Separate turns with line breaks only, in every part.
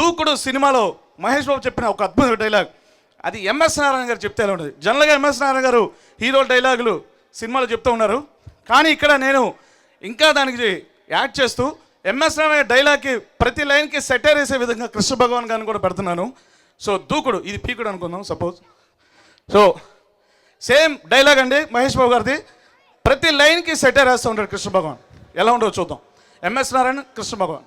దూకుడు సినిమాలో మహేష్ బాబు చెప్పిన ఒక అద్భుత డైలాగ్, అది ఎంఎస్ నారాయణ గారు చెప్తే ఎలా ఉంటుంది. జనరల్గా ఎంఎస్ నారాయణ గారు హీరో డైలాగులు సినిమాలో చెప్తూ ఉన్నారు, కానీ ఇక్కడ నేను ఇంకా దానికి యాడ్ చేస్తూ ఎంఎస్ నారాయణ డైలాగ్కి ప్రతి లైన్కి సెటైర్ వేసే విధంగా కృష్ణ భగవాన్ గారిని కూడా పెడుతున్నాను. సో దూకుడు, ఇది పీకుడు అనుకుందాం సపోజ్. సో సేమ్ డైలాగ్ అండి మహేష్ బాబు గారిది, ప్రతి లైన్కి సెటైర్ వేస్తూ ఉంటాడు కృష్ణ భగవాన్. ఎలా ఉండవు చూద్దాం. MS Narayana, Krishna Bhagavan.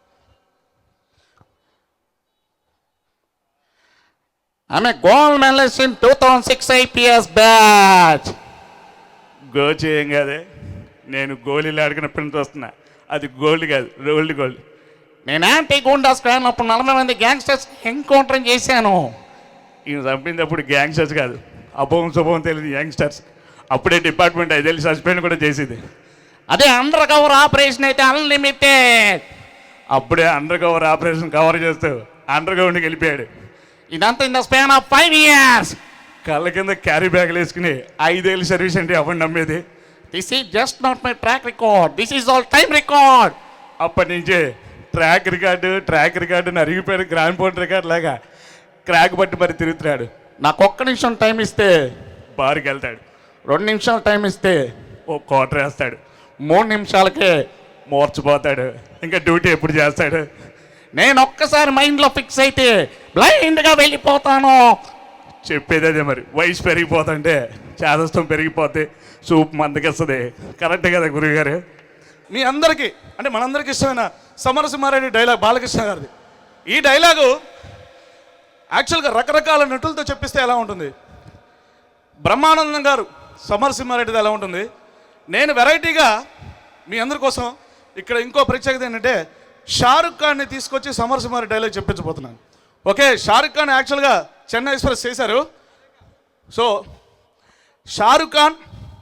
I'm a gold medalist in 2006 IPS batch.
గో చేయం కాదే, నేను గోళీలు ఆడుకున్నప్పుడు వస్తున్నా, అది గోల్డ్ కాదు, గోల్డ్.
నేను యాంటీ గూండా స్క్వాడ్ అప్పుడు 40 మంది గ్యాంగ్స్టర్స్ ఎన్కౌంటర్ చేశాను.
ఈయన చంపినప్పుడు గ్యాంగ్స్టర్స్ కాదు, అభవం శుభవం తెలియదు యంగ్స్టర్స్. అప్పుడే డిపార్ట్మెంట్ అది వెళ్ళి సస్పెండ్ కూడా చేసేది.
అదే అండర్ కవర్ ఆపరేషన్ అయితే అన్లిమిటెడ్.
అప్పుడే అండర్ కవర్ ఆపరేషన్ కవర్ చేస్తూ అండర్ గ్రౌండ్కి వెళ్ళిపోయాడు.
ఇదంతా in the span of 5 years.
కళ్ళ కింద క్యారీ బ్యాగులు వేసుకుని 5 ఏళ్ళు సర్వీస్ అంటే ఎవరు నమ్మేది?
This is just not my track record, this is all time record.
అప్పటి నుంచే ట్రాక్ రికార్డు అరిగిపోయిన గ్రాండ్ పోర్ట్ రికార్డ్ లాగా క్రాక్ పట్టి మరి తిరుగుతున్నాడు.
నాకు 1 నిమిషం టైం ఇస్తే
బార్కి వెళ్తాడు,
2 నిమిషాలు టైం ఇస్తే
ఓ క్వార్టర్ వేస్తాడు,
3 నిమిషాలకే
మోర్చిపోతాడు. ఇంకా డ్యూటీ ఎప్పుడు చేస్తాడు?
నేను ఒక్కసారి మైండ్లో ఫిక్స్ అయితే బ్లైండ్గా వెళ్ళిపోతాను.
చెప్పేది అదే మరి. వయసు పెరిగిపోతుంటే చేదస్తం పెరిగిపోతే సూప్ మందకిస్తుంది. కరెక్టే కదా గురువుగారు? మీ అందరికీ అంటే మనందరికీ ఇష్టమైన సమరసింహారెడ్డి డైలాగ్ బాలకృష్ణ గారిది. ఈ డైలాగు యాక్చువల్గా రకరకాల నటులతో చెప్పిస్తే ఎలా ఉంటుంది, బ్రహ్మానందం గారు సమరసింహారెడ్డిది ఎలా ఉంటుంది, నేను వెరైటీగా మీ అందరి కోసం ఇక్కడ ఇంకో ప్రత్యేకత ఏంటంటే షారుఖ్ ఖాన్ని తీసుకొచ్చి సమరసింహారెడ్డి డైలాగ్ చెప్పించబోతున్నాను. ఓకే, షారుఖ్ ఖాన్ యాక్చువల్గా చెన్నై ఎక్స్ప్రెస్ చేశారు. సో షారుఖ్ ఖాన్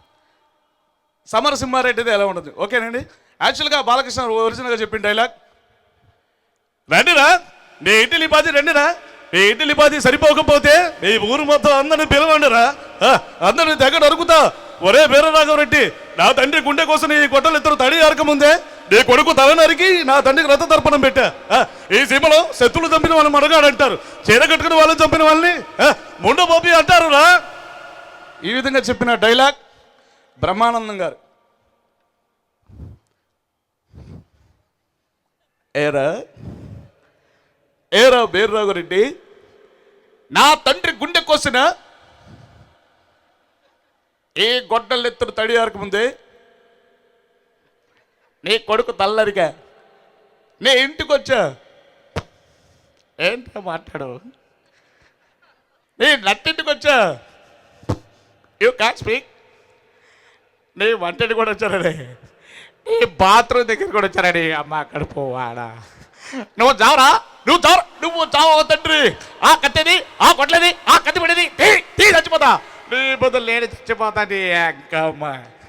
సమరసింహారెడ్డిది ఎలా ఉంటుంది ఓకేనండి. యాక్చువల్గా బాలకృష్ణ ఒరిజినల్గా చెప్పిన డైలాగ్, రండిరా నీ ఇడ్లీ పాతి, రండిరా నీ ఇడ్లీ పాతి సరిపోకపోతే ఈ ఊరు మొత్తం అందరిని పిలవండిరా, అందరిని దగ్గర అరుగుతా. ఒరే వీరరాఘవరెడ్డి, నా తండ్రి గుండె కోసం నీ గొడ్డలు ఇద్దరు తడి అరకముందే నీ కొడుకు తల నరికి నా తండ్రికి రథ తర్పణం పెట్టా. ఈ సీమలో శత్రులు చంపిన వాళ్ళని మడగాడంటారు, చీర కట్టుకుని వాళ్ళని చంపిన వాళ్ళని ముండబోపి అంటారు రా. ఈ విధంగా చెప్పిన డైలాగ్ బ్రహ్మానందం గారు. ఏరా వీరరాఘవరెడ్డి, నా తండ్రి గుండె కోసిన ఏ గొడ్డలెత్తుడు తడి ఆరకముందే నీ కొడుకు తల్లరిగా నీ ఇంటికి వచ్చా. ఏంటో మాట్లాడు, నీ నట్టింటికి వచ్చా. You can speak. నీ వంటింటి కూడా వచ్చారని, నీ బాత్రూమ్ దగ్గర కూడా వచ్చారని. అమ్మ అక్కడ పోవాడా, నువ్వు చావరా, నువ్వు చావు తండ్రి. ఆ కత్తిది, ఆ కొట్లేది, ఆ కత్తి పడేది తీ చచ్చిపోతా, నీ బదులు నేను చచ్చిపోతాను. అక్కమ్మ